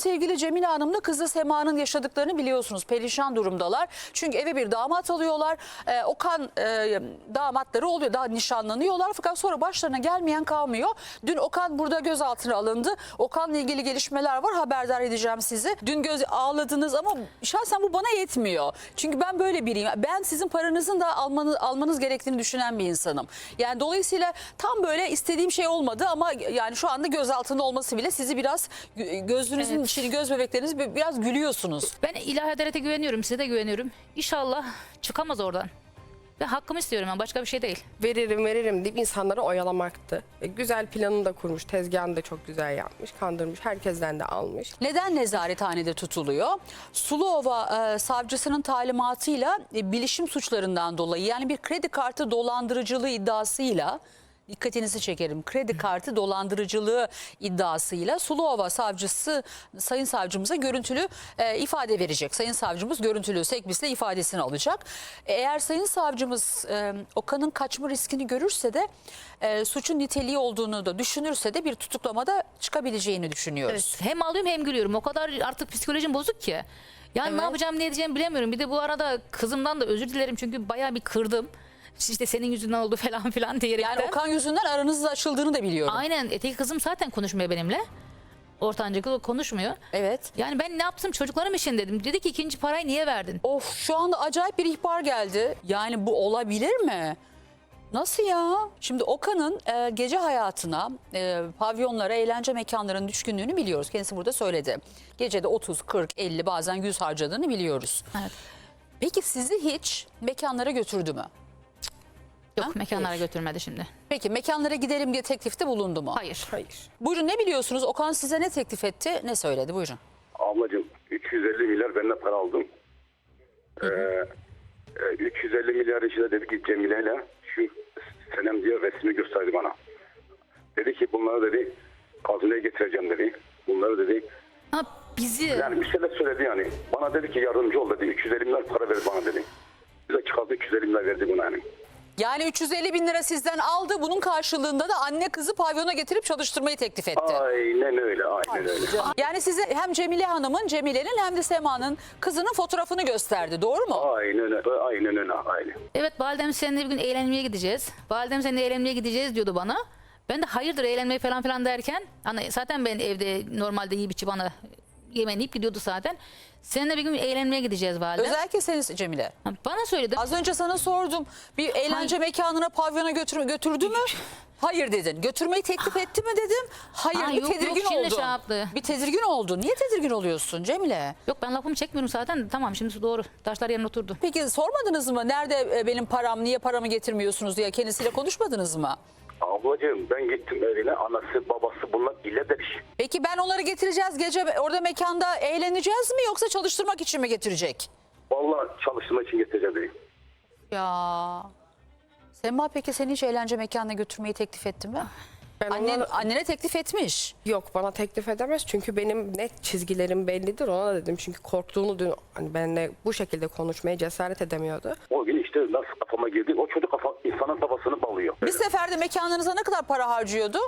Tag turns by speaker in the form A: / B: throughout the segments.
A: sevgili Cemile Hanım'la kızı Sema'nın yaşadıklarını biliyorsunuz. Perişan durumdalar. Çünkü eve bir damat alıyorlar. Okan damatları oluyor. Daha nişanlanıyorlar. Fakat sonra başlarına gelmeyen kalmıyor. Dün Okan burada gözaltına alındı. Okan'la ilgili gelişmeler var. Haberdar edeceğim sizi. Dün ağladınız ama şahsen bu bana yetmiyor. Çünkü ben böyle biriyim. Ben sizin paranızın da almanız gerektiğini düşünen bir insanım. Yani dolayısıyla tam böyle istediğim şey olmadı ama yani şu anda gözaltında olması bile sizi biraz gözünüzün içini, göz bebekleriniz biraz gülüyorsunuz.
B: Ben ilahi adalete güveniyorum, size de güveniyorum. İnşallah çıkamaz oradan. Ve hakkımı istiyorum, ben başka bir şey değil.
C: Veririm deyip insanları oyalamaktı. Güzel planını da kurmuş, tezgahını da çok güzel yapmış, kandırmış, herkesten de almış.
A: Neden nezarethanede tutuluyor? Suluova savcısının talimatıyla bilişim suçlarından dolayı, yani bir kredi kartı dolandırıcılığı iddiasıyla, dikkatinizi çekerim, kredi kartı dolandırıcılığı iddiasıyla Suluova savcısı sayın savcımıza görüntülü ifade verecek. Sayın savcımız görüntülü sekbisle ifadesini alacak. Eğer sayın savcımız Okan'ın kaçma riskini görürse de suçun niteliği olduğunu da düşünürse de bir tutuklamada çıkabileceğini düşünüyoruz.
B: Hem ağlıyorum hem gülüyorum. O kadar artık psikolojim bozuk ki. Yani
A: Evet.
B: ne yapacağım, ne edeceğimi bilemiyorum. Bir de bu arada kızımdan da özür dilerim çünkü bayağı bir kırdım. İşte senin yüzünden oldu falan filan diyerekten.
A: Yani Okan yüzünden aranızın açıldığını da biliyorum.
B: Aynen, öteki kızım zaten konuşmuyor benimle. Ortanca kız konuşmuyor.
A: Evet.
B: Yani ben ne yaptım, çocuklarım için dedim. Dedi ki ikinci parayı niye verdin?
A: Of, şu anda acayip bir ihbar geldi. Yani bu olabilir mi? Nasıl ya? Şimdi Okan'ın gece hayatına, pavyonlara, eğlence mekanlarının düşkünlüğünü biliyoruz. Kendisi burada söyledi. Gecede 30, 40, 50 bazen 100 harcadığını biliyoruz.
B: Evet.
A: Peki sizi hiç mekanlara götürdü mü?
B: Yok,
A: Ha?
B: mekanlara
A: Hayır.
B: götürmedi şimdi.
A: Peki mekanlara gidelim diye teklifte bulundu mu?
B: Hayır.
C: Hayır.
A: Buyurun, ne biliyorsunuz? Okan size ne teklif etti, ne söyledi? Buyurun.
D: Ablacığım 350 milyar benden para aldım. 350 milyar içinde dedi ki Cemile'yle şu Senem diye resmi gösterdi bana. Dedi ki bunları dedi hazineye getireceğim dedi. Bunları dedi
B: Ha, bizi...
D: yani bir şeyler söyledi yani. Bana dedi ki yardımcı ol dedi. 350 milyar para ver bana dedi. Bize çıkardı 350 milyar verdi buna yani.
A: Yani 350 bin lira sizden aldı. Bunun karşılığında da anne kızı pavyona getirip çalıştırmayı teklif etti.
D: Aynen öyle, aynen öyle.
A: Yani size hem Cemile Hanım'ın, Cemile'nin hem de Sema'nın kızının fotoğrafını gösterdi. Doğru mu?
D: Aynen öyle, aynen öyle, aynen.
B: Evet, validem seninle bir gün eğlenmeye gideceğiz. Validem seninle eğlenmeye gideceğiz diyordu bana. Ben de hayırdır eğlenmeye falan filan derken, hani zaten ben evde normalde yiyip içip bana yemeğini yiyip gidiyordu zaten. Seninle bir gün eğlenmeye gideceğiz validem.
A: Özellikle seni Cemile.
B: Ha, bana söyledi.
A: Az önce sana sordum. Bir eğlence mekanına, pavyona götürdü mü? Hayır dedin. Götürmeyi teklif etti mi dedim. Hayır,
B: Ha,
A: bir
B: yok,
A: tedirgin
B: yok, şimdi
A: oldun.
B: şey yaptı.
A: Bir tedirgin oldun. Niye tedirgin oluyorsun Cemile?
B: Yok, ben lafımı çekmiyorum zaten. Tamam, şimdi doğru. Taşlar yerine oturdu.
A: Peki sormadınız mı? Nerede benim param, niye paramı getirmiyorsunuz diye kendisiyle konuşmadınız mı?
D: Ablacığım ben gittim evine, anası babası bunlar ile demiş.
A: Peki ben onları getireceğiz, gece orada mekanda eğleneceğiz mi yoksa çalıştırmak için mi getirecek?
D: Vallahi çalıştırma için getireceğim dedi.
A: Ya Sema, peki seni hiç eğlence mekanına götürmeyi teklif etti mi?
C: Ben
A: Annene teklif etmiş.
C: Yok, bana teklif edemez çünkü benim net çizgilerim bellidir, ona da dedim. Çünkü korktuğunu dün hani benimle bu şekilde konuşmaya cesaret edemiyordu.
D: O gün işte nasıl kafama girdi, o çocuk insanın kafasını balıyor.
A: Bir seferde mekanlarınıza ne kadar para harcıyordu?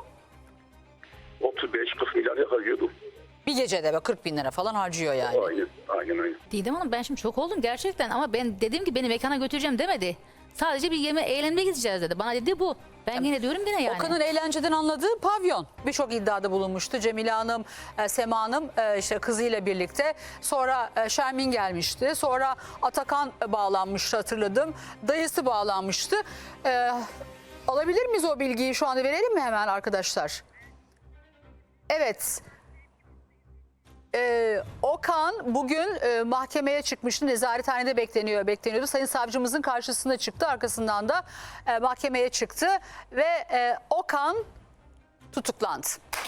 D: 35-40 milyar harcıyordu.
A: Bir gecede be 40 bin lira falan harcıyor yani.
D: Aynen.
B: Didem Hanım, ben şimdi çok oldum gerçekten ama ben dedim ki beni mekana götüreceğim demedi. Sadece bir eğlenmeye gideceğiz dedi. Bana dedi bu. Ben yine diyorum yine yani.
A: Okan'ın eğlenceden anladığı pavyon. Birçok iddiada bulunmuştu. Cemile Hanım, Sema Hanım işte kızıyla birlikte. Sonra Şermin gelmişti. Sonra Atakan bağlanmıştı, hatırladım. Dayısı bağlanmıştı. Alabilir miyiz o bilgiyi, şu anda verelim mi hemen arkadaşlar? Evet. Okan bugün mahkemeye çıkmıştı. Nezarethanede bekleniyordu. Sayın savcımızın karşısına çıktı. Arkasından da mahkemeye çıktı. Ve Okan tutuklandı.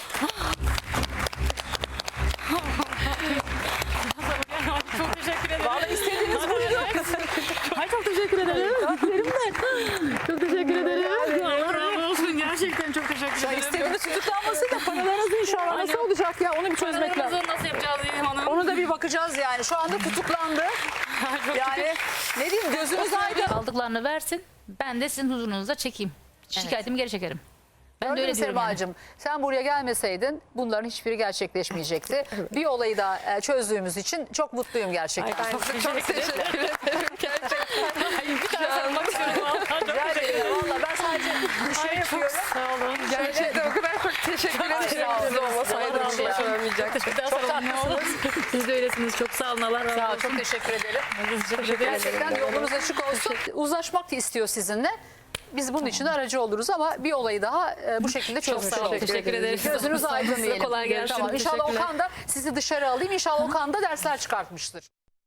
B: Çok teşekkür ederim.
A: Vallahi istediğiniz buydu.
B: Ay, çok teşekkür ederim. Çok teşekkür ederim. Allah razı olsun. Gerçekten çok teşekkür ederim.
A: İstediğiniz tutuklanması da paralarınız inşallah nasıl olacak ya, onu bir çözmek lazım.
B: Nasıl yapacağız Didem Hanım?
A: Onu da bir bakacağız yani. Şu anda tutuklandı. Yani ne diyeyim, gözünüz aydın.
B: Aldıklarını versin. Ben de sizin huzurunuza çekeyim. Şikayetimi geri çekerim. Ben de
A: Gördün
B: öyle
A: mü
B: diyorum yani.
A: Semacığım? Sen buraya gelmeseydin bunların hiçbiri gerçekleşmeyecekti. Bir olayı da çözdüğümüz için çok mutluyum gerçekten.
C: Ben çok teşekkür ederim. Gerçekten.
B: Bir tane sarılmak istiyorum.
A: Rica ederim. Valla ben sadece şey yapıyorum.
B: Sağ olun.
C: Gerçekten o kadar çok teşekkür ederim.
A: sağ olun.
C: Siz olmasaydınız
A: Sağ olun.
C: başaramayacaktım.
B: Çok tatlısınız. Siz de öylesiniz. Çok sağ olun. Allah razı
A: Sağ ol,
B: olsun.
A: çok teşekkür ederim.
B: Teşekkür ederim.
A: Gerçekten yolunuz açık olsun. Uzlaşmak da istiyor sizinle. Biz bunun için aracı oluruz ama bir olayı daha bu şekilde çözmüş
B: sağ olun.
A: olduk.
B: Teşekkür ederiz.
A: Gözünüz aydın
B: Size
A: diyelim.
B: kolay gelsin.
A: Tamam. İnşallah
B: Teşekkürler.
A: Okan da sizi dışarı alayım. İnşallah Okan da dersler çıkartmıştır.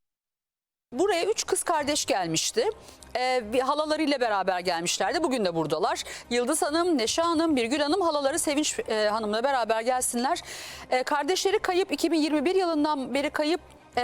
A: Buraya 3 kız kardeş gelmişti. Bir halalarıyla beraber gelmişlerdi. Bugün de buradalar. Yıldız Hanım, Neşe Hanım, Birgül Hanım, halaları Sevinç Hanım'la beraber gelsinler. Kardeşleri kayıp, 2021 yılından beri kayıp.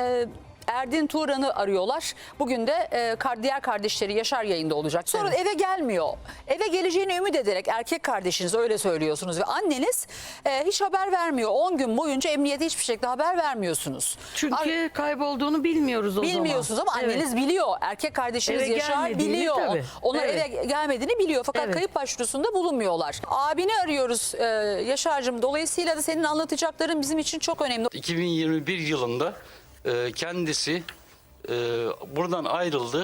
A: Erdin Turan'ı arıyorlar. Bugün de diğer kardeşleri Yaşar yayında olacak. Sonra eve gelmiyor. Eve geleceğini ümit ederek erkek kardeşiniz öyle söylüyorsunuz ve anneniz hiç haber vermiyor. 10 gün boyunca emniyete hiçbir şekilde haber vermiyorsunuz.
E: Çünkü kaybolduğunu bilmiyoruz o zaman.
A: Bilmiyorsunuz ama
E: Evet.
A: anneniz biliyor. Erkek kardeşiniz
E: Eve
A: Yaşar
E: gelmediğini
A: biliyor.
E: tabii.
A: Onlar
E: Evet.
A: eve gelmediğini biliyor. Fakat
E: Evet.
A: kayıp başvurusunda bulunmuyorlar. Abini arıyoruz Yaşar'cığım. Dolayısıyla da senin anlatacakların bizim için çok önemli.
F: 2021 yılında kendisi buradan ayrıldı.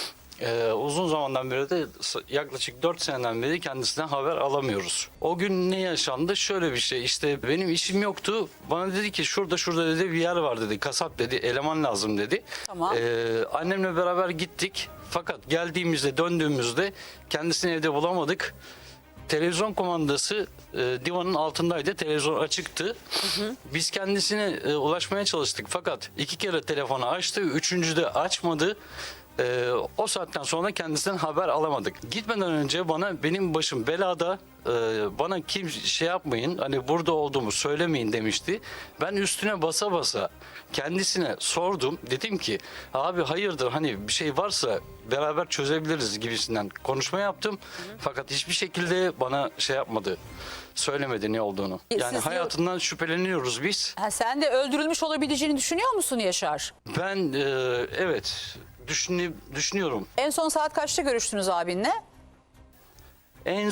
F: Uzun zamandan beri de yaklaşık 4 seneden beri kendisinden haber alamıyoruz. O gün ne yaşandı? Şöyle bir şey, işte benim işim yoktu. Bana dedi ki şurada dedi bir yer var dedi. Kasap dedi, eleman lazım dedi.
A: Tamam.
F: Annemle beraber gittik. Fakat döndüğümüzde kendisini evde bulamadık. Televizyon kumandası divanın altındaydı. Televizyon açıktı. Biz kendisine ulaşmaya çalıştık. Fakat 2 kere telefonu açtı. 3. açmadı. O saatten sonra kendisinden haber alamadık. Gitmeden önce benim başım belada, bana kim şey yapmayın, hani burada olduğumu söylemeyin demişti. Ben üstüne basa basa kendisine sordum. Dedim ki abi hayırdır, hani bir şey varsa beraber çözebiliriz gibisinden konuşma yaptım. Fakat hiçbir şekilde bana şey yapmadı. Söylemedi ne olduğunu. Yani
A: Siz
F: hayatından şüpheleniyoruz biz.
A: Sen de öldürülmüş olabileceğini düşünüyor musun Yaşar?
F: Ben evet düşünüyorum.
A: En son saat kaçta görüştünüz abinle?
F: En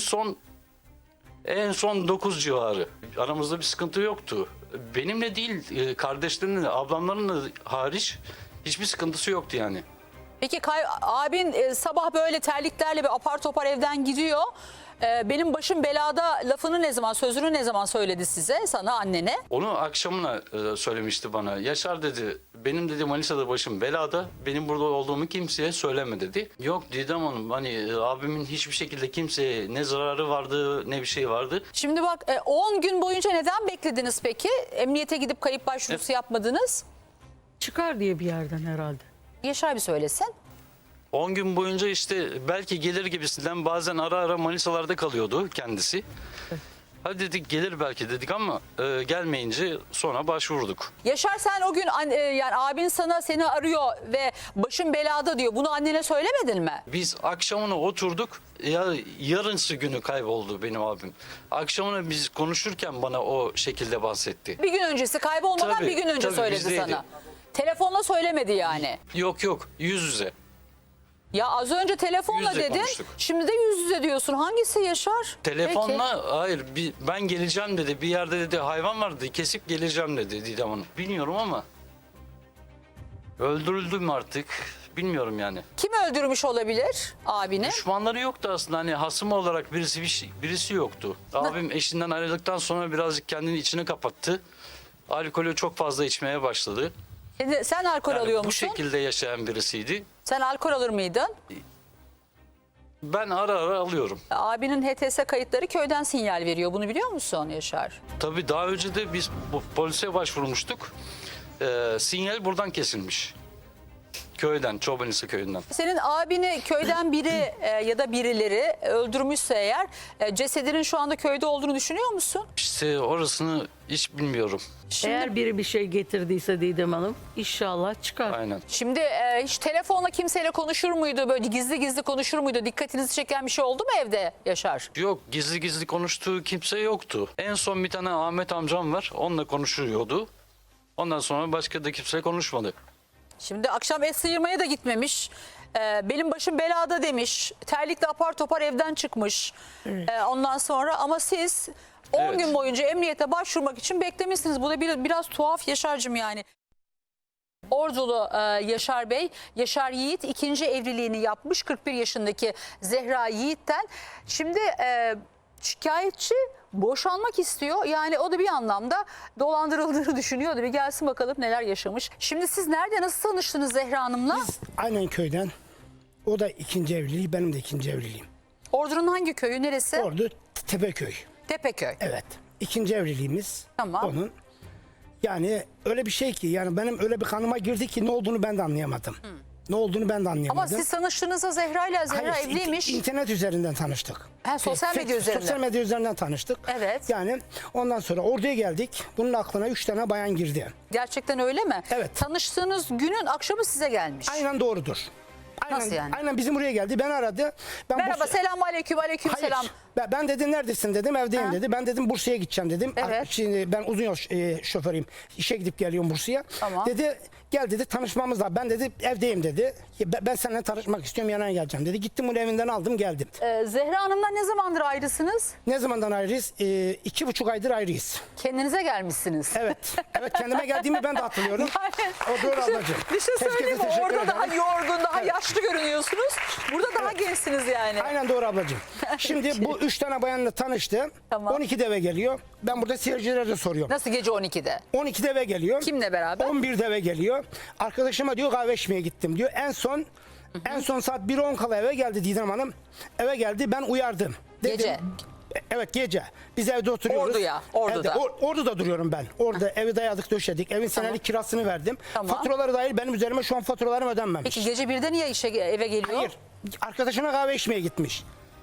F: son 9 civarı. Aramızda bir sıkıntı yoktu. Benimle değil, kardeşlerimle, ablamlarımla hariç hiçbir sıkıntısı yoktu yani.
A: Peki abin sabah böyle terliklerle bir apar topar evden gidiyor. Benim başım belada sözünü ne zaman söyledi size, sana, annene?
F: Onu akşamına söylemişti bana. Yaşar dedi, benim dedi Manisa'da başım belada. Benim burada olduğumu kimseye söyleme dedi. Yok Didem Hanım, hani abimin hiçbir şekilde kimseye ne zararı vardı ne bir şey vardı.
A: Şimdi bak 10 gün boyunca neden beklediniz peki? Emniyete gidip kayıp başvurusu yapmadınız.
E: Çıkar diye bir yerden herhalde.
A: Yaşar bir söylesin.
F: 10 gün boyunca işte belki gelir gibisinden bazen ara Manisa'larda kalıyordu kendisi. Hadi dedik gelir belki dedik ama gelmeyince sonra başvurduk.
A: Yaşar sen o gün yani abin seni arıyor ve başım belada diyor. Bunu annene söylemedin mi?
F: Biz akşamına oturduk. Yarınsı günü kayboldu benim abim. Akşamına biz konuşurken bana o şekilde bahsetti.
A: Bir gün öncesi kaybolmadan
F: Tabii,
A: bir gün önce
F: tabii,
A: söyledi
F: bizdeydi.
A: sana. Telefonla söylemedi yani.
F: Yok yüz yüze.
A: Ya az önce telefonla
F: Yüz yüze
A: dedin.
F: konuştuk.
A: Şimdi de yüz yüze diyorsun. Hangisi Yaşar?
F: Telefonla hayır ben geleceğim dedi. Bir yerde dedi hayvan vardı kesip geleceğim dedi Didem Hanım. Bilmiyorum ama öldürüldüm artık. Bilmiyorum yani.
A: Kim öldürmüş olabilir abini?
F: Düşmanları yoktu aslında, hani hasım olarak birisi yoktu. Abim eşinden ayrıldıktan sonra birazcık kendini içine kapattı. Alkolü çok fazla içmeye başladı.
A: Sen alkol
F: Yani
A: alıyor
F: bu
A: musun?
F: şekilde yaşayan birisiydi.
A: Sen alkol alır mıydın?
F: Ben ara alıyorum.
A: Abinin HTS kayıtları köyden sinyal veriyor. Bunu biliyor musun Yaşar?
F: Tabii daha önce de biz polise başvurmuştuk. Sinyal buradan kesilmiş. Köyden, Çobanisi köyünden.
A: Senin abini köyden biri ya da birileri öldürmüşse eğer cesedinin şu anda köyde olduğunu düşünüyor musun?
F: İşte orasını hiç bilmiyorum.
E: Eğer biri bir şey getirdiyse Didem Hanım inşallah çıkar.
F: Aynen.
A: Şimdi hiç telefonla kimseyle konuşur muydu? Böyle gizli gizli konuşur muydu? Dikkatinizi çeken bir şey oldu mu evde Yaşar?
F: Yok, gizli konuştuğu kimse yoktu. En son bir tane Ahmet amcam var. Onunla konuşuyordu. Ondan sonra başka da kimse konuşmadı.
A: Şimdi akşam et sıyırmaya da gitmemiş. Benim başım belada demiş. Terlikle apar topar evden çıkmış. Ondan sonra ama siz 10
F: Evet.
A: gün boyunca emniyete başvurmak için beklemişsiniz. Bu da biraz tuhaf Yaşar'cığım yani. Ordulu Yaşar Bey, Yaşar Yiğit ikinci evliliğini yapmış 41 yaşındaki Zehra Yiğit'ten. Şimdi şikayetçi boşanmak istiyor. Yani o da bir anlamda dolandırıldığını düşünüyordu. Bir gelsin bakalım neler yaşamış. Şimdi siz nerede, nasıl tanıştınız Zehra Hanım'la?
G: Aynen köyden. O da ikinci evliliği, benim de ikinci evliliğim.
A: Ordu'nun hangi köyü, neresi?
G: Ordu Tepeköy.
A: Tepeköy.
G: Evet. İkinci evliliğimiz.
A: Tamam.
G: Onun. Yani öyle bir şey ki, yani benim öyle bir kanıma girdi ki ne olduğunu ben de anlayamadım. Ne olduğunu ben de anlayamadım.
A: Ama siz tanıştığınızda Zehra ile Zehra
G: Hayır,
A: evliymiş.
G: internet üzerinden tanıştık.
A: Ha, sosyal medya üzerinden.
G: Sosyal medya üzerinden tanıştık.
A: Evet.
G: Yani ondan sonra orduya geldik. Bunun aklına 3 tane bayan girdi.
A: Gerçekten öyle mi?
G: Evet.
A: Tanıştığınız günün akşamı size gelmiş.
G: Aynen doğrudur. Aynen,
A: Nasıl yani?
G: Aynen bizim buraya geldi. Ben aradı. Ben
A: Merhaba, selamun aleyküm, aleyküm
G: Hayır.
A: selam.
G: Ben dedi neredesin dedim, evdeyim
A: Ha.
G: dedi. Ben dedim Bursa'ya gideceğim dedim.
A: Evet.
G: Şimdi ben uzun yol şoförüyüm. İşe gidip geliyorum Bursa'ya.
A: Tamam.
G: Dedi gel dedi, tanışmamız lazım. Ben dedi evdeyim dedi. Ben seninle tanışmak istiyorum, yanına geleceğim dedi. Gittim bunu evinden aldım geldim.
A: Zehra Hanım'la ne zamandır ayrısınız?
G: Ne zamandan ayrıyız? 2,5 aydır ayrıyız.
A: Kendinize gelmişsiniz.
G: Evet. Evet, kendime geldiğimi ben de hatırlıyorum. O doğru ablacığım.
A: Bir şey
G: Herkese
A: söyleyeyim mi?
G: teşekkür
A: Orada
G: ederim.
A: daha yorgun, daha yaşlı görünüyorsunuz. Burada daha gençsiniz yani.
G: Aynen doğru ablacığım. Şimdi bu 3 tane bayanla tanıştı.
A: Tamam.
G: 12'de eve geliyor. Ben burada seyircilere de soruyorum.
A: Nasıl gece 12'de?
G: 12'de eve geliyor.
A: Kimle beraber?
G: 11'de eve geliyor. Arkadaşıma diyor kahve içmeye gittim diyor. En son saat 1:10 kala eve geldi Didem Hanım. Eve geldi, ben uyardım. Dedim,
A: Gece.
G: Evet, gece. Biz evde oturuyoruz.
A: Ordu'da.
G: Evde, Ordu'da duruyorum ben. Orada evi dayadık döşedik. Evin senelik kirasını verdim.
A: Tamam.
G: Faturaları dahil benim üzerime şu an faturalarım ödenmemiş.
A: Peki gece 1'de niye eve geliyor?
G: Hayır. Arkadaşına kahve içmeye gitmiş.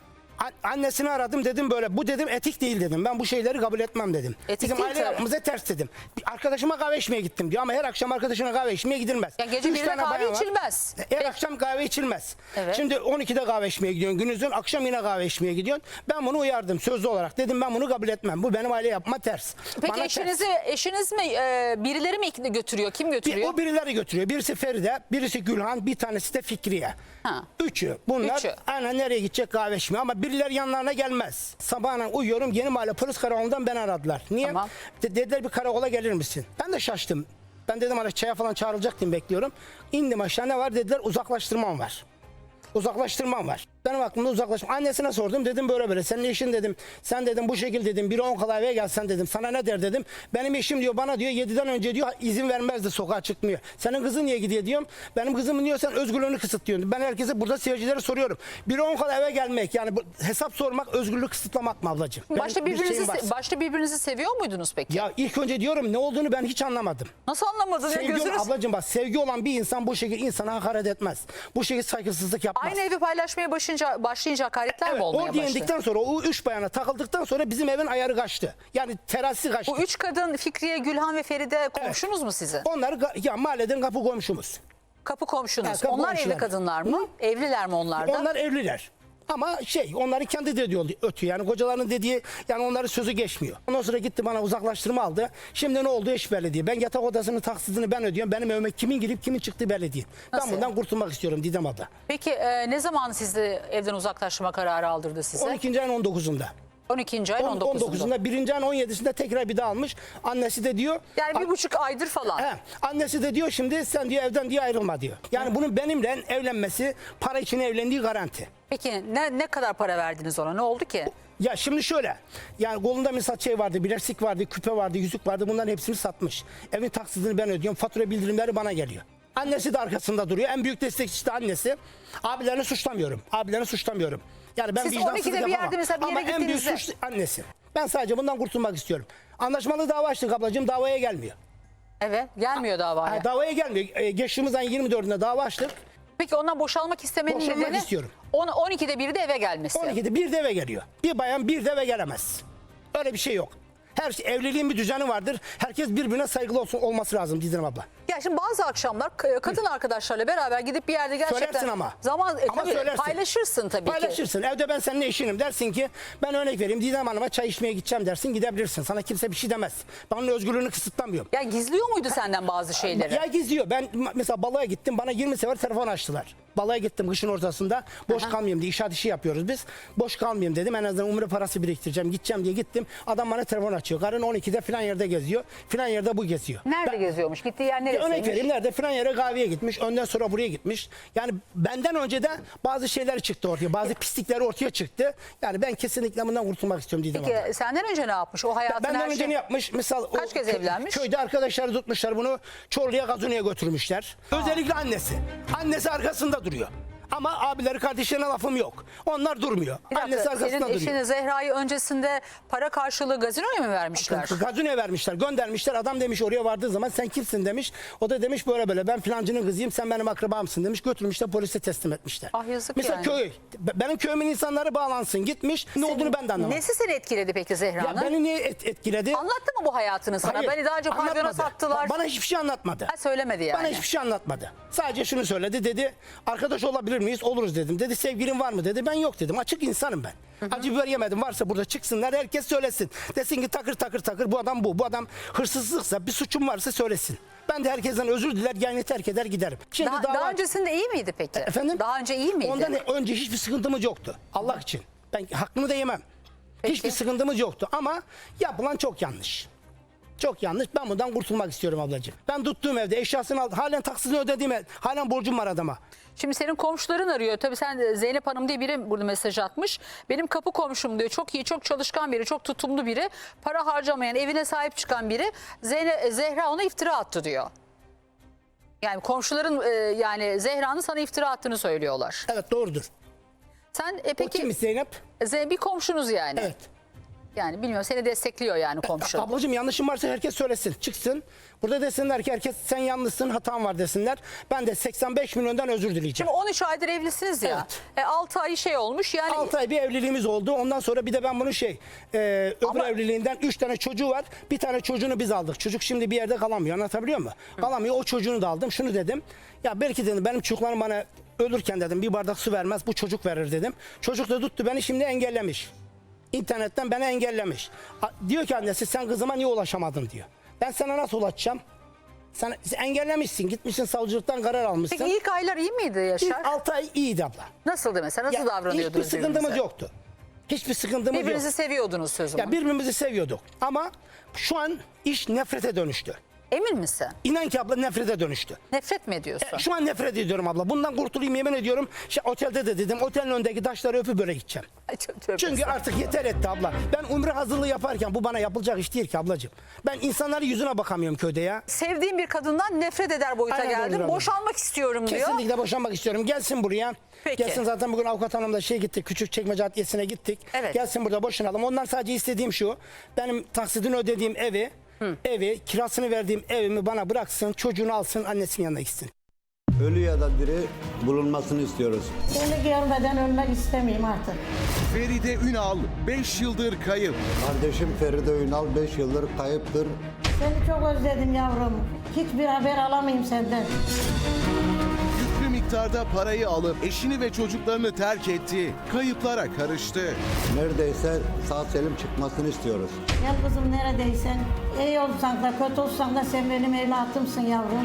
G: Annesini aradım, dedim böyle, bu dedim etik değil dedim. Ben bu şeyleri kabul etmem dedim.
A: Etik
G: Bizim
A: değil
G: aile
A: tabii.
G: yapımıza ters dedim. Arkadaşıma kahve içmeye gittim diyor ama her akşam arkadaşına kahve içmeye gidilmez.
A: Ya gece
G: 3
A: 1'de
G: tane
A: kahve
G: bayan var.
A: içilmez.
G: Her
A: Peki.
G: akşam kahve içilmez.
A: Evet.
G: Şimdi 12'de kahve içmeye gidiyorsun günüzün, akşam yine kahve içmeye gidiyorsun. Ben bunu uyardım sözlü olarak. Dedim ben bunu kabul etmem. Bu benim aile yapma ters.
A: Peki
G: Bana ters.
A: eşiniz mi birileri mi götürüyor? Kim götürüyor?
G: O birileri götürüyor. Birisi Feride, birisi Gülhan, bir tanesi de Fikriye.
A: Ha.
G: Üçü. Bunlar
A: Üçü.
G: aynen nereye gidecek kahve içmeye ama birileri yanlarına gelmez. Sabahına uyuyorum, Yeni Mahalle Polis Karakolu'ndan beni aradılar. Niye?
A: Tamam.
G: Dediler bir karakola gelir misin? Ben de şaştım. Ben dedim hani çaya falan çağrılacak diye bekliyorum. İndim aşağı, ne var dediler, uzaklaştırmam var. Uzaklaştırmam var. Benim aklımda uzaklaştırma. Annesine sordum, dedim böyle böyle. Senin eşin dedim. Sen dedim bu şekil dedim. 1:10 kala eve gelsen dedim. Sana ne der dedim. Benim eşim diyor bana diyor 7'den önce diyor izin vermezdi, sokağa çıkmıyor. Senin kızın niye gidiyor diyorum. Benim kızımın diyor sen özgürlüğünü kısıtlıyorsun. Ben herkese burada seyircilere soruyorum. 1:10 kala eve gelmek yani bu, hesap sormak özgürlük kısıtlamak mı ablacığım?
A: Başta
G: Bir şeyim var.
A: başta birbirinizi seviyor muydunuz peki?
G: Ya ilk önce diyorum ne olduğunu ben hiç anlamadım.
A: Nasıl anlamadın ya,
G: Sevgi
A: gözünüz?
G: ablacığım bak, sevgi olan bir insan bu şekilde insana hakaret etmez. Bu şekilde saygısızlık yapmaz.
A: Aynı evi paylaşmaya başlayınca hakaretler
G: Evet,
A: mi olmaya
G: o
A: başladı?
G: diyendikten sonra o 3 bayana takıldıktan sonra bizim evin ayarı kaçtı. Yani terazisi kaçtı.
A: Bu 3 kadın Fikriye, Gülhan ve Feride komşunuz mu sizin?
G: Onlar ya mahalleden kapı komşumuz.
A: Kapı komşunuz.
G: Ha, kapı
A: onlar evli
G: komşular.
A: kadınlar mı? Evliler mi onlar da?
G: Onlar evliler. Ama onların kendi dediği ötüyor. Yani kocalarının dediği, yani onların sözü geçmiyor. Ondan sonra gitti bana uzaklaştırma aldı. Şimdi ne oldu hiç belli değil. Ben yatak odasının taksidini ben ödüyorum. Benim evime kimin girip kimin çıktığı belli değil.
A: Nasıl
G: Ben bundan
A: yani?
G: kurtulmak istiyorum Didem abla.
A: Peki ne zaman sizi evden uzaklaştırma kararı aldırdı size?
G: 12. ayın 19'unda.
A: 12. ayın 19'unda.
G: 19'unda, 1. ayın 17'sinde tekrar bir daha almış. Annesi de diyor.
A: Yani 1,5 aydır falan.
G: He, annesi de diyor şimdi sen diyor evden diye ayrılma diyor. Yani bunun benimle evlenmesi, para için evlendiği garanti.
A: Peki ne kadar para verdiniz ona? Ne oldu ki?
G: Ya şimdi şöyle, yani kolunda misal şey vardı, bilezik vardı, küpe vardı, yüzük vardı, bunların hepsini satmış. Evin taksidini ben ödüyorum, fatura bildirimleri bana geliyor. Annesi de arkasında duruyor, en büyük destekçisi de annesi. Abilerini suçlamıyorum. Yani ben
A: Siz
G: vicdansızlık
A: 12'de bir
G: yapamam.
A: yerde mesela bir yere
G: Ama en büyük
A: gittiğinizde-
G: suç annesi. Ben sadece bundan kurtulmak istiyorum. Anlaşmalı dava açtık ablacığım, davaya gelmiyor.
A: Evet, gelmiyor davaya.
G: Ha, davaya gelmiyor. Geçtiğimiz ayın 24'ünde dava açtık.
A: Peki ondan boşalmak istemenin
G: Boşanmak
A: nedeni?
G: istiyorum.
A: 12'de biri de eve gelmesi.
G: 12'de bir de eve geliyor. Bir bayan bir de eve gelemez. Öyle bir şey yok. Her şey, evliliğin bir düzeni vardır. Herkes birbirine saygılı olması lazım Didem abla.
A: Ya şimdi bazı akşamlar kadın arkadaşlarla beraber gidip bir yerde gerçekten
G: Söylersin ama.
A: zaman
G: Ama
A: tabii
G: söylersin.
A: paylaşırsın tabii ki.
G: Paylaşırsın. Evde ben seninle eşinim. Dersin ki ben örnek vereyim. Didem Hanım'a çay içmeye gideceğim dersin. Gidebilirsin. Sana kimse bir şey demez. Ben onun özgürlüğünü kısıtlamıyorum.
A: Ya gizliyor muydu senden bazı şeyleri?
G: Ya gizliyor. Ben mesela balığa gittim. Bana 20 sefer telefon açtılar. Balığa gittim kışın ortasında. Boş kalmayayım diye. İnşaat işi yapıyoruz biz. Boş kalmayayım dedim. En azından umre parası biriktireceğim. Gideceğim diye gittim. Adam bana telefon açıyor. Karın 12'de filan yerde geziyor. Filan yerde bu geziyor.
A: Nerede geziyormuş? Gittiği yer
G: Örnek
A: neresiymiş?
G: vereyim, nerede filan yere kahveye gitmiş. Önden sonra buraya gitmiş. Yani benden önce de bazı şeyler çıktı ortaya. Bazı pislikleri ortaya çıktı. Yani ben kesinlikle bundan kurtulmak istiyorum Didem abla.
A: Peki senden önce ne yapmış? O hayatın
G: Benden
A: her
G: önce
A: şey...
G: ne yapmış? Mesela
A: Kaç kez evlenmiş?
G: Köyde arkadaşları tutmuşlar bunu. Çorlu'ya Gazino'ya götürmüşler. Özellikle annesi. Annesi arkasında duruyor. Ama abileri kardeşlerine lafım yok. Onlar durmuyor.
A: Bir dakika,
G: Annesi arkasında
A: senin
G: duruyor.
A: eşini Zehra'yı öncesinde para karşılığı gazinoya mı vermişler?
G: Gazino'ya vermişler, göndermişler. Adam demiş oraya vardığı zaman sen kimsin demiş. O da demiş böyle böyle ben filancının kızıyım sen benim akrabamsın demiş. Götürmüşler polise teslim etmişler.
A: Ah, yazık
G: Mesela
A: yani.
G: köy. Benim köyümün insanları bağlansın gitmiş. Ne olduğunu ben de anlamadım.
A: Nesi seni etkiledi peki
G: Ya
A: Zehra'nın?
G: beni niye etkiledi?
A: Anlattı mı bu hayatını sana?
G: Hayır,
A: Beni daha önce pavyona
G: anlatmadı.
A: sattılar.
G: Bana hiçbir şey anlatmadı.
A: Ha, söylemedi yani.
G: Bana hiçbir şey anlatmadı. Sadece şunu söyledi dedi. Arkadaş olabilir miyiz? Oluruz dedim. Dedi sevgilin var mı dedi. Ben yok dedim. Açık insanım ben. Acı biber yemedim. Varsa burada çıksınlar herkes söylesin. Desin ki takır takır takır bu adam bu. Bu adam hırsızlıksa bir suçum varsa söylesin. Ben de herkesten özür diler yayını terk eder giderim. Şimdi
A: Daha öncesinde iyi miydi peki?
G: Efendim?
A: Daha önce iyi miydi?
G: Ondan önce hiçbir sıkıntımız yoktu. Allah için. Ben hakkını da yemem.
A: Peki.
G: Hiçbir sıkıntımız yoktu ama yapılan çok yanlış. Çok yanlış. Ben bundan kurtulmak istiyorum ablacığım. Ben tuttuğum evde eşyasını aldım. Halen taksitini ödediğim ev. Halen borcum var adama.
A: Şimdi senin komşuların arıyor. Tabii sen Zeynep Hanım diye biri burada mesaj atmış. Benim kapı komşum diyor. Çok iyi, çok çalışkan biri, çok tutumlu biri. Para harcamayan, evine sahip çıkan biri. Zehra ona iftira attı diyor. Yani komşuların yani Zehra'nın sana iftira attığını söylüyorlar.
G: Evet doğrudur.
A: Sen
G: O
A: peki
G: kimmiş Zeynep?
A: Bir komşunuz yani.
G: Evet.
A: Yani bilmiyorum seni destekliyor yani komşu.
G: Ablacığım yanlışım varsa herkes söylesin. Çıksın. Burada desinler ki herkes sen yanlışsın hatan var desinler. Ben de 85 milyondan özür dileyeceğim.
A: Şimdi 13 aydır evlisiniz ya. 6 ay şey olmuş yani.
G: 6 ay bir evliliğimiz oldu. Ondan sonra bir de ben bunu öbür
A: Ama-
G: evliliğinden 3 tane çocuğu var. Bir tane çocuğunu biz aldık. Çocuk şimdi bir yerde kalamıyor. Anlatabiliyor muyum? Kalamıyor. O çocuğunu da aldım. Şunu dedim. Ya belki dedim benim çocuklarım bana ölürken dedim bir bardak su vermez. Bu çocuk verir dedim. Çocuk da tuttu beni şimdi engellemiş. İnternetten beni engellemiş. Diyor ki annesi sen kızıma niye ulaşamadın diyor. Ben sana nasıl ulaşacağım? Sen engellemişsin. Gitmişsin savcılıktan karar almışsın.
A: Peki ilk aylar iyi miydi Yaşar?
G: İlk 6 ay iyiydi abla.
A: Nasıldı mesela? Nasıl davranıyordunuz
G: Hiçbir sıkıntımız
A: birbirinize?
G: yoktu. Hiçbir sıkıntımız yok.
A: Birbirinizi seviyordunuz sözüm.
G: Ya birbirimizi seviyorduk. Ama şu an iş nefrete dönüştü.
A: Emin misin?
G: İnan ki abla nefrete dönüştü.
A: Nefret mi ediyorsun?
G: Şu an nefret ediyorum abla. Bundan kurtulayım yemin ediyorum. Otelde de dedim otelin önündeki taşları öpüp böyle gideceğim.
A: Ay, tövbe
G: Çünkü
A: estağfurullah.
G: artık yeter etti abla. Ben umre hazırlığı yaparken bu bana yapılacak iş değil ki ablacığım. Ben insanların yüzüne bakamıyorum köyde ya.
A: Sevdiğim bir kadından nefret eder boyuta
G: Aynen
A: geldim.
G: doğrudur abla.
A: Boşanmak istiyorum diyor.
G: Kesinlikle boşanmak istiyorum. Gelsin buraya.
A: Peki.
G: Gelsin zaten bugün avukat hanımla gittik. Küçükçekmece Adliyesi'ne gittik.
A: Evet.
G: Gelsin burada boşanalım. Ondan sadece istediğim şu. Benim taksidini ödediğim evi, kirasını verdiğim evimi bana bıraksın. Çocuğunu alsın, annesinin yanına gitsin.
H: Ölü ya da diri bulunmasını istiyoruz.
I: Seni görmeden ölmek istemeyeyim artık.
J: Feride Ünal 5 yıldır kayıp.
H: Kardeşim Feride Ünal 5 yıldır kayıptır.
I: Seni çok özledim yavrum. Hiçbir haber alamayayım senden.
J: Yüklü miktarda parayı alıp eşini ve çocuklarını terk etti. Kayıplara karıştı.
H: Neredeyse sağ selim çıkmasını istiyoruz.
I: Gel kızım neredeysen. İyi olsan da kötü olsan da sen benim evlatımsın yavrum.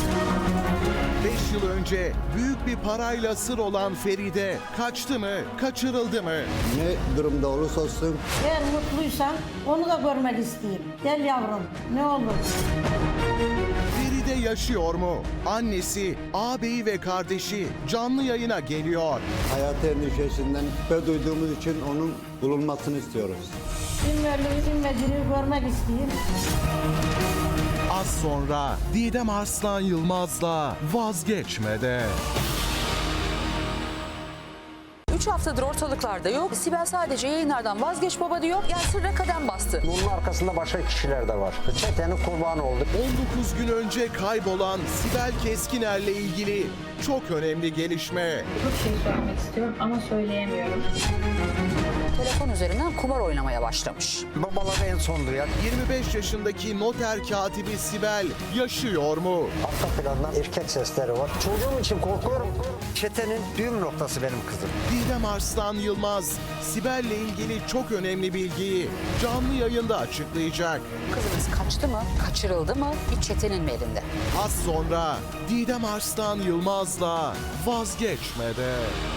J: 5 yıl önce büyük bir parayla sır olan Feride kaçtı mı, kaçırıldı mı?
H: Ne durumda olursa olsun
I: Eğer mutluysan onu da görmek isteyeyim. Gel yavrum ne olur.
J: Feride yaşıyor mu? Annesi, ağabeyi ve kardeşi canlı yayına geliyor.
H: hayat endişesinden şüphe duyduğumuz için onun bulunmasını istiyoruz.
I: Kim ve diri görmek isteyeyim.
J: Az sonra Didem Arslan Yılmaz'la Vazgeçmede.
A: 3 haftadır ortalıklarda yok. Sibel sadece yayınlardan vazgeç baba diyor. Yani sırra kadem bastı.
K: Bunun arkasında başka kişiler de var. Çetenin kurbanı oldu.
J: 19 gün önce kaybolan Sibel Keskiner'le ilgili çok önemli gelişme.
L: Çok şey söylemek istiyorum ama söyleyemiyorum.
A: telefon üzerinden kumar oynamaya başlamış.
K: Babaları en son duyan.
J: 25 yaşındaki noter katibi Sibel yaşıyor mu?
K: Arka plandan erkek sesleri var. Çocuğum için korkuyorum. Çetenin düğüm noktası benim kızım.
J: Didem Arslan Yılmaz, Sibel'le ilgili çok önemli bilgiyi canlı yayında açıklayacak.
A: Kızınız kaçtı mı? Kaçırıldı mı? Bir çetenin mi elinde?
J: Az sonra Didem Arslan Yılmaz'la vazgeçmede.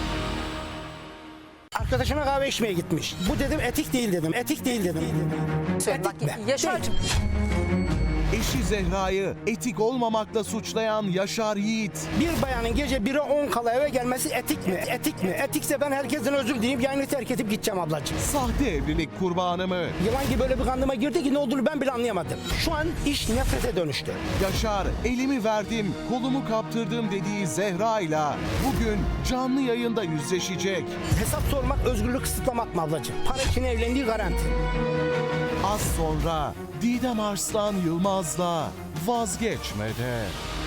G: Arkadaşına kahve içmeye gitmiş. Bu dedim etik değil dedim. Etik değil dedim.
A: Söyle bak
G: Etik mi?
A: Yaşar'cığım.
J: Eşi Zehra'yı etik olmamakla suçlayan Yaşar Yiğit,
G: Bir bayanın gece 1'e 10 kala eve gelmesi etik mi? Etik mi? Etikse ben herkesten özür dileyip yayını terk edip gideceğim ablacığım.
J: sahte evlilik kurbanı mı?
G: Yılan gibi böyle bir kandıma girdi ki ne olduğunu ben bile anlayamadım. Şu an iş nefrete dönüştü.
J: Yaşar, elimi verdim, kolumu kaptırdım dediği Zehra'yla bugün canlı yayında yüzleşecek.
G: Hesap sormak özgürlük kısıtlamak mı ablacığım? Para için evlendiği garanti.
J: Az sonra Didem Arslan Yılmaz'la vazgeçmede.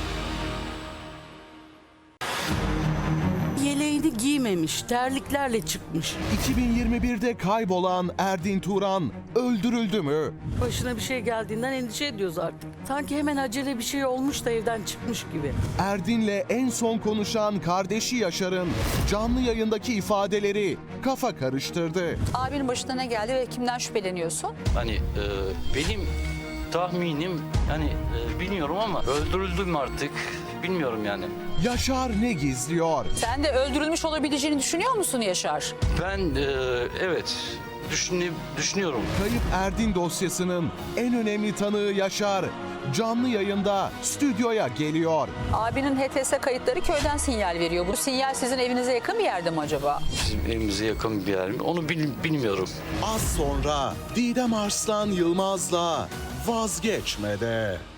E: Yeleğini giymemiş, terliklerle çıkmış.
J: 2021'de kaybolan Erdin Turan öldürüldü mü?
E: Başına bir şey geldiğinden endişe ediyoruz artık. Sanki hemen acele bir şey olmuş da evden çıkmış gibi.
J: Erdin'le en son konuşan kardeşi Yaşar'ın canlı yayındaki ifadeleri kafa karıştırdı.
A: Abinin başına ne geldi ve kimden şüpheleniyorsun?
F: Hani benim tahminim hani bilmiyorum ama öldürüldüm artık. Bilmiyorum yani.
J: Yaşar ne gizliyor?
A: Sen de öldürülmüş olabileceğini düşünüyor musun Yaşar?
F: Ben evet düşünüyorum.
J: Kayıp Erdin dosyasının en önemli tanığı Yaşar canlı yayında stüdyoya geliyor.
A: Abinin HTS kayıtları köyden sinyal veriyor. Bu sinyal sizin evinize yakın bir yerde mi acaba?
F: Bizim evimize yakın bir yer mi? Onu bilmiyorum.
J: Az sonra Didem Arslan Yılmaz'la vazgeçmede.